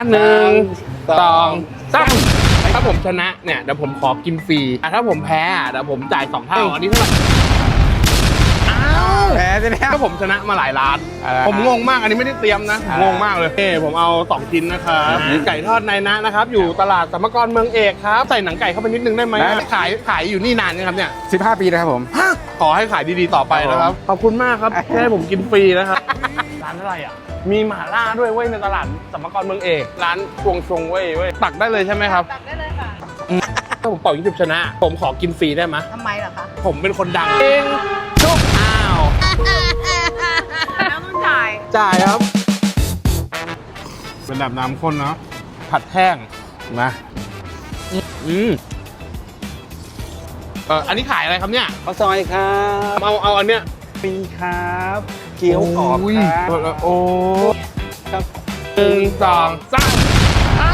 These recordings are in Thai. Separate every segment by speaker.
Speaker 1: 1 2 3ถ้าผมชนะเนี่ยเดี๋ยวผมขอกินฟรีถ้าผมแพ้เดี๋ยวผมจ่าย2 เท่าอันนี้เท่าไหร่
Speaker 2: แพ้ใช่ไหมครับ
Speaker 1: ถ้าผมชนะมาหลายร้านผมงงมากอันนี้ไม่ได้เตรียมนะงงมากเลยผมเอา2 ชิ้นนะครับไก่ทอดนายนะนะครับอยู่ตลาดสมกรเมืองเอกครับใส่หนังไก่เข้าไปนิดนึงได้ไหมขายอยู่นี่นานยังครับเนี่ย
Speaker 2: 15 ปีนะครับผม
Speaker 1: ขอให้ขายดีๆต่อไปนะครับขอบคุณมากครับแค่ให้ผมกินฟรีนะครับร้านอะไรอ่ะมีหม่าล่าด้วยเว้ยในตลาดสมกรเมืองเอกร้านชวงชงเว้ยตักได้เลยใช่ไหมครับ
Speaker 3: ตักได้เลยค่ะ
Speaker 1: ถ้าผมเป่ายิงฉุบชนะผมขอกินฟรีได้ไหม
Speaker 3: ทำไมล่ะคะ
Speaker 1: ผมเป็นคนดังเองชุบอ้าว
Speaker 3: แล้วต้องจ่าย
Speaker 1: ครับเป็นแบบน้ำข้นเนาะผัดแห้งมาอันนี้ขายอะไรครับเนี่ย
Speaker 2: ข้าวซอยครับ
Speaker 1: เอาอันเนี้ย
Speaker 2: ปีครับเกี๊ยวกรอบครับ
Speaker 1: โอ้
Speaker 2: ครับ
Speaker 1: 1 2 3เอ้า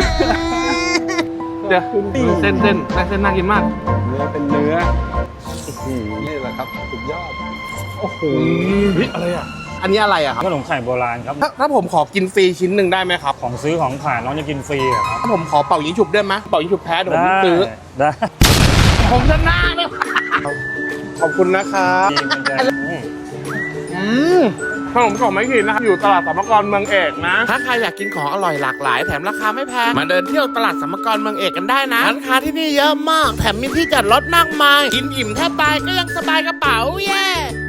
Speaker 1: เดี๋ยวเส้นน่ากินมาก
Speaker 2: เนื้อเป็นเนื้อนี่แหละครับสุดยอด
Speaker 1: โอ้โหอะไรอ่ะอันนี้อะไรอ่ะครับ
Speaker 4: ขนมไข่โบราณครับ
Speaker 1: ถ้าผมขอกินฟรีชิ้นหนึ่งได้ไหมครับ
Speaker 4: ของซื้อของขายน้องจะกินฟรีครับ
Speaker 1: ถ้าผมขอเป่ายิงฉุบได้ไหมเป่ายิงฉุบแพ้เดี๋ยวผมซื้อ
Speaker 4: ได้
Speaker 1: ผมชนะเลยขอบคุณนะครับขนมกล่องไม้ขีดนะครับอยู่ตลาดสมกรเมืองเอกนะถ้าใครอยากกินของอร่อยหลากหลายแถมราคาไม่แพงมาเดินเที่ยวตลาดสมกรเมืองเอกกันได้นะร้านค้าที่นี่เยอะมากแถมมีที่จอดรถมากมายกินอิ่มแทบตายก็ยังสบายกระเป๋าเย้